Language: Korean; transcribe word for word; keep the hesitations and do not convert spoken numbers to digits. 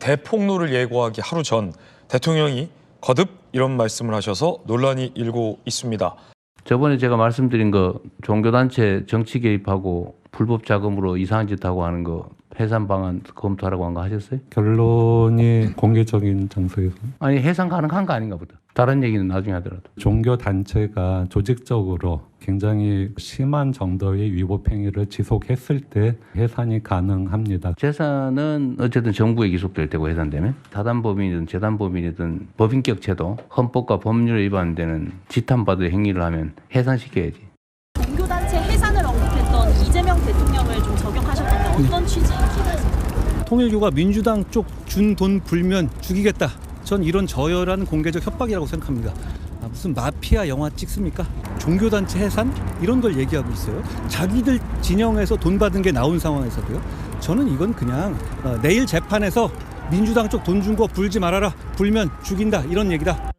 대폭로를 예고하기 하루 전 대통령이 거듭 이런 말씀을 하셔서 논란이 일고 있습니다. 저번에 제가 말씀드린 거 종교단체 정치 개입하고 불법 자금으로 이상한 짓 하고 하는 거 해산 방안 검토하라고 한 거 하셨어요? 결론이 공개적인 장소에서 아니 해산 가능한 거 아닌가 보다. 다른 얘기는 나중에 하더라도. 종교 단체가 조직적으로 굉장히 심한 정도의 위법 행위를 지속했을 때 해산이 가능합니다. 재산은 어쨌든 정부에 기속될 테고 해산되면 사단법인이든 재단법인이든 법인격 제도 헌법과 법률에 위반되는 지탄받을 행위를 하면 해산시켜야지. 종교단체 해산을 언급했던 이재명 대통령을 좀 적용하셨던데 어떤 취지인지 말씀. 통일교가 민주당 쪽 준 돈 불면 죽이겠다. 전 이런 저열한 공개적 협박이라고 생각합니다. 아, 무슨 마피아 영화 찍습니까? 종교단체 해산? 이런 걸 얘기하고 있어요. 자기들 진영에서 돈 받은 게 나온 상황에서도요. 저는 이건 그냥 어, 내일 재판에서 민주당 쪽 돈 준 거 불지 말아라. 불면 죽인다. 이런 얘기다.